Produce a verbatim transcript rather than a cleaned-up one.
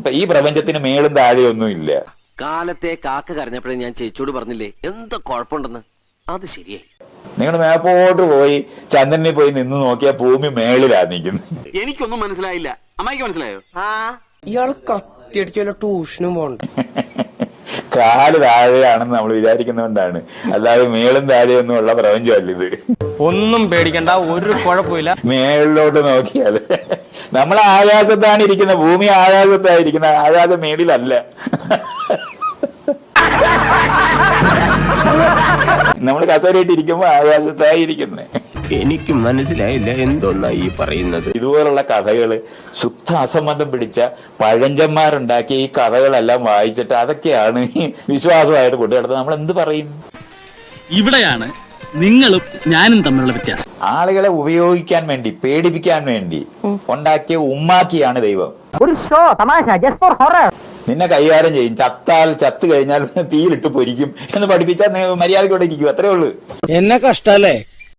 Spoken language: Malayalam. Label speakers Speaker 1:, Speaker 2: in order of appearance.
Speaker 1: ഈ പ്രപഞ്ചത്തിന് മേളും താഴെയൊന്നും ഇല്ല.
Speaker 2: കാലത്തെ കാക്ക കരഞ്ഞപ്പോഴേ ഞാൻ ചേച്ചിയോട് പറഞ്ഞില്ലേ എന്താ കുഴപ്പമുണ്ടെന്ന്. അത് ശരിയായി.
Speaker 1: നിങ്ങൾ മേപ്പോട്ട് പോയി ചന്ദ്രനിൽ പോയി നിന്ന് നോക്കിയാൽ ഭൂമി മേളിലാ നിൽക്കുന്നത്.
Speaker 2: എനിക്കൊന്നും മനസ്സിലായില്ല. അമ്മായിക്ക് മനസ്സിലായോ?
Speaker 3: ഇയാള് കത്തിയടിച്ചല്ലോ ട്യൂഷനും പോണ്ട.
Speaker 1: കാല് താഴെയാണെന്ന് നമ്മൾ വിചാരിക്കുന്നതുകൊണ്ടാണ്, അല്ലാതെ മേളും താഴെയൊന്നും ഉള്ള പ്രപഞ്ചമല്ല ഇത്.
Speaker 4: ഒന്നും പേടിക്കണ്ട, ഒരു കുഴപ്പമില്ല.
Speaker 1: മേളിലോട്ട് നോക്കിയാൽ നമ്മൾ ആകാശത്താണ് ഇരിക്കുന്നത്, ഭൂമി ആകാശത്തായിരിക്കുന്ന, ആകാശം മേളിലല്ല. നമ്മൾ കസേരയിട്ട് ഇരിക്കുമ്പോ ആകാശത്തായിരിക്കുന്നത്.
Speaker 5: എനിക്ക് മനസ്സിലായില്ല എന്തോന്നാ ഈ പറയുന്നത്.
Speaker 1: ഇതുപോലുള്ള കഥകള് ശുദ്ധ അസംബന്ധം പിടിച്ച പഴഞ്ചന്മാരുണ്ടാക്കിയ ഈ കഥകളെല്ലാം വായിച്ചിട്ട് അതൊക്കെയാണ് വിശ്വാസമായിട്ട് കൊണ്ടുനടത്തുന്നത്. നമ്മൾ എന്ത് പറയും?
Speaker 6: ഇവിടെയാണ് നിങ്ങളും ഞാനും തമ്മിലുള്ള വ്യത്യാസം.
Speaker 1: ആളുകളെ ഉപയോഗിക്കാൻ വേണ്ടി, പേടിപ്പിക്കാൻ വേണ്ടി ഉണ്ടാക്കിയ ഉമ്മാക്കിയാണ് ദൈവം.
Speaker 7: ഒരു ഷോ തമാശ, ജസ്റ്റ് ഫോർ ഹൊറർ.
Speaker 1: നിന്നെ കൈകാര്യം ചെയ്യും, ചത്താൽ ചത്തു കഴിഞ്ഞാൽ തീയിലിട്ട് പൊരിക്കും എന്ന് പഠിപ്പിച്ചാൽ മര്യാദയോടെ ഇരിക്കും. അത്രേ ഉള്ളൂ.
Speaker 3: എന്നെ കഷ്ടല്ലേ.